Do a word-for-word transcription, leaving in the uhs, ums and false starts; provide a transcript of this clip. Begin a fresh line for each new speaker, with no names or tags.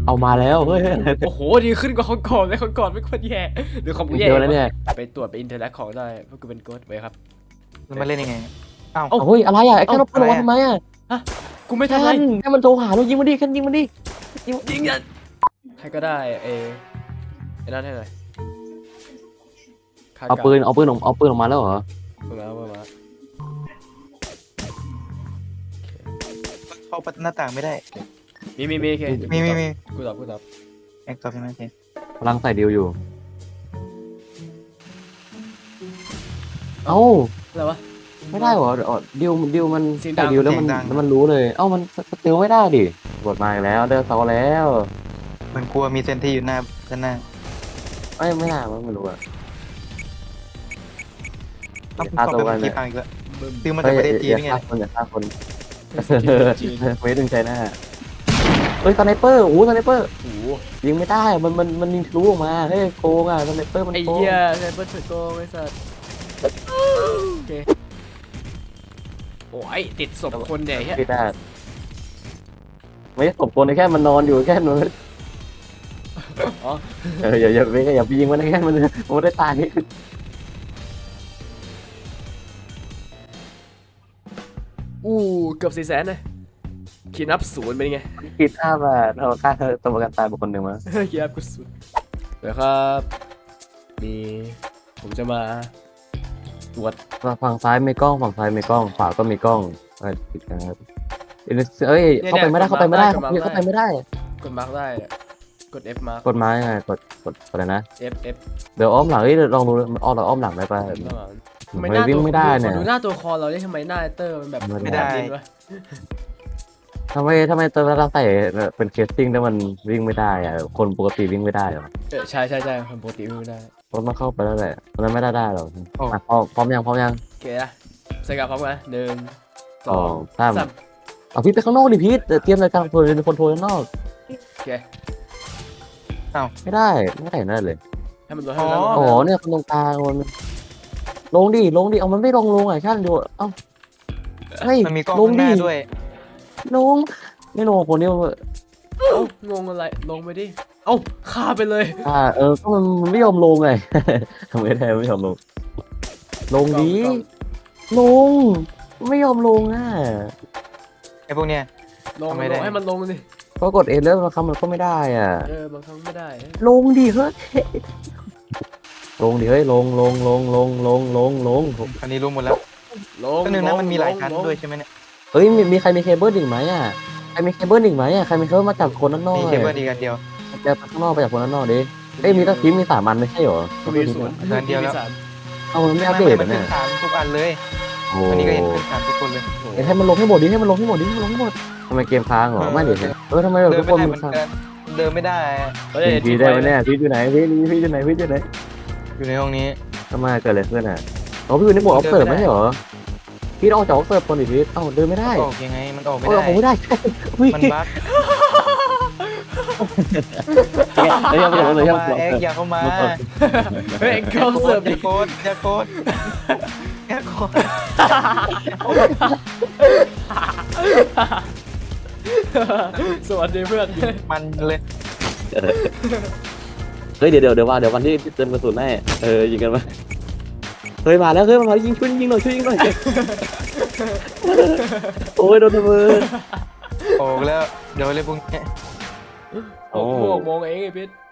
เอามาแล้วเฮ้ย
โอ้โหดีขึ้นกว่าของก่อนเลยของก่อนไม่ค่อยแย่หรือของกูแย่
เดียวแล้วเนี่ย
ไปตรวจไปอินเทอร์แลกของได้เพราะกูเป็นโกดไว้ครับ
แล้วมาเล่นยังไงอ้าว
เอ้า
เฮ้ยอะไรอ่ะไอ้แค่เราเปิดออกมาทำไมอ่ะ
กูไม่
แค่
ทำอะไร
แค่มันโทรหาเรายิงมันดิแค่ยิงมันดิ
ยิงยันใครก็ได้เอไอ้นั่นให้หน่อยคด
เอาปืนเอาปืนออกเอาปืนออกมาแล้วเหรอ
เปิดมาเปิดมา
เข้าหน้าต่างไม่ได้
มีมีมีโอเค
มีมีมี
กูตอบกูตอบ
แอคตอบใช่ไหมโอเค
กำลังใส่ดิวอยู่เอ้า
อะไรวะ
ไม่ได้เหรอเดี๋ยวดิวดิวมัน
เสียงดั
ใส่
ง
ดิวแล้วมันแล้วมันรู้เลยเอ้ามันสติลไม่ได้ดิกดมาอีกแล้วเดินเสาแล้ว
มันกลัวมีเซนที่อยู่หน้าด้านหน้า
ไม่ไม่น่าไม่รู้อ่ะ
ต้อง
ฆ่า
เข้า
ตัว
ไป
กัน
เมื่อ
เนี่
กี้
ย
พังอีกแล้ว
บึ้ม
ซื้อมาจากประเทศจีน
อย่า
นี่ไง
ฆ่าคนอย่าฆ่าคน
จีน
เวทดึงใจหน้าเฮ้ยสไนเปอร์โอ้สไนเปอร์
โอ้โห
ยิงไม่ได้อะมันมันมันยิงทะลุออกมาเฮ้ยโกงอ่ะสไนเปอร์มัน
ไอ้
โกง
เหี้ยไซเบอร์เถื่อนโกงไอ้สัสโอเคโอ้ยติดศพคนเด็กเฮ้ย
ไม่ได้ไม่ได้ตบคนแค่มันนอนอยู่แค่นั้น
อ๋อ
เอออย่าอย่าไปอย่าไปยิงมันแค่มันมันไม่ได้ตาย
อู้เกือบสี่แสนเลยคีย์นับศูนย์เป็นไง
คิดห้าบาทเอาค่าตัวประกันตายบุคคลหนึ่งมา
คีย์นับกูศูนย์เดี๋ยวครับ มีผมจะมาตรวจ
ฝั่งซ้ายมีกล้องฝั่งซ้ายมีกล้องขวาก็มีกล้องเออผิดกันครับเอ้ยเข้าไปไม่ได้เข้าไปไม่ได้เข้าไปไม่ได้
กดมาร์กได้กด F มาร์ก
กดไม้ไงกดกดอะไรนะ
F F
เดี๋ยวอ้อมหลังเอ้ยลองดูอ้อมเราอ้อมหลังได้ป่ะ
ทำไม
ไม่
หน้า
วิ่ง
ตัว
ไม่ได้เนี่ย
ขอดูหน้าตัวคอเราได้ทำไมหน้าเตอร์มันแบบ
ไม่ได้
แบบนี้วะ
ทำไมทำไมตัวเราใส่เป็นเคสติ้งแล้วมันวิ่งไม่ได้อะคนปกติวิ่งไม่ได้หรอ
เออใช่ใช่ใช่คนปกติไม่ได้
รถมันเข้าไปแล้วแหละมันไม่ได้ได้หรอกอ่ะพร้อมพร้อมยังพร้อมยัง
โอเคนะใส่กับพร้อมกันหนึ่งส
ส
อ
อง งสาม
สาม
เอาพี่ไปข้างนอกดิพี่เตรียมรายการโทรเป็นคนโทรข้างนอก
โอเค
ไม่ได้ไม่ได้นั่นเลย
ให้มันลดให้มันลด
โอ้โหเนี่ยคนตรงกลางมันลงดิลงดิเอามันไม่ลงลงอ่ะช่างดูเอ้าเฮ้ย
มันมีกล้อง
ลง
ข้างห
ดิ
น้าด้วย
ลงไม่ลงคนนี้
เอ้างงอะไรลงไปดิเอ้าฆ่าไปเลย
อ่าเออก็มันไม่ยอมลงไง ทำไมได้ไม่ยอมลง ลงดิ
กล้อง
ลงไม่ยอมลงอ่ะ
ไอ้พวกเนี้ย
ลง
ทำไม
ล
ได้
งให้มันลงดิ
ก็กดเอแล้วบางครั้งมันก็ไม่ได้อ่ะ
เออบางครั้งไม่ได้
ลงดิเฮ้ยลงดิเฮ้ยลงลงลงลงลงลงลง
อันนี้รู้หมดแล้ว
ลง
ก็นึงนะมันมีหลายชั้น
ลง
ด้วยใช่ไหมเนี่ย
เฮ้ยมีมีใครมีเคเบิลอีกไหมอ่ะใครมีเคเบิลอีกไหมอ่ะใครมีเคเบิลมาจากคนด้านนอก
มี
เล
เค
ย
เบิลอีกอันเดียว
จะไปข้างนอกไปจากคนด้านนอกดิเอ้ยมีตั้งทีมมีสามอันไม่ใช่เหรอ
ก็มีศูนย์
อันเดียวแล้ว
มีสาม
เอามันไม่อัป
ไม่
เดต
ไม่
อ่ะ
มัน
เนี่
ขึ้
ย
นสามทุกอันเลย
โอ้
วันนี้ก็เห็นขึ้นสามทุกคนเลย
โอ้โห
เอ้ยให้มันลงให้หมดดิให้มันลงให้หมดดิให้มันลงให้หมดทำไมเกมค้างเหรอไม่เดี๋ยวเออทำไมแบบ
เดิ
ทุ
น
ก
ไม่
คน
ได้
มัน
เหมือนกันเดินไม่ได้
เฮ้ย
พีได้ไหมเนี่ยพีอยู่ไหนพีพีอยู่ไหนพีอยู่ไหน
อยู่ในห้องนี้
ทำไมเกิดอะไรขึ้นอ่ะอ๋อพี่อยู่ในหมวดออฟเซิร์ฟไม่ใช่เหรอพี่ออกจากออฟเซิร์ฟคนอีกทีเอ้าเดินไม่ได้
ออกยังไงมันออกไม่
เออ
ได้
ออกไม่ได้วิ่ง
มันบั๊ก
เฮ้ยยังไม่จบเลย
อ
ยัง
ย่า
ไม่จบ
เอ็กอย่าเข้ามา
เฮ้ยเข้าเสิร์ฟ
อ
ดิ
ย่าโคตรอย่าโคตรอย่าโคตร
สวัสดีเพื่อน
มันเลย
เฮ้ยเดี๋ยวเดี๋ยวเดี๋ยวว่าเดี๋ยววันที่เติมกระสุนแน่เออยิงกันมาเฮ้ยมาแล้วเฮ้ยมายิงช่วยยิงหน่อยช่วยยิงหน่อยโอ้ยโดนระเบิด
ออกแล้วเดี๋ยวเลยพวกนี้
หกโมงโมงเองไอ้พิษ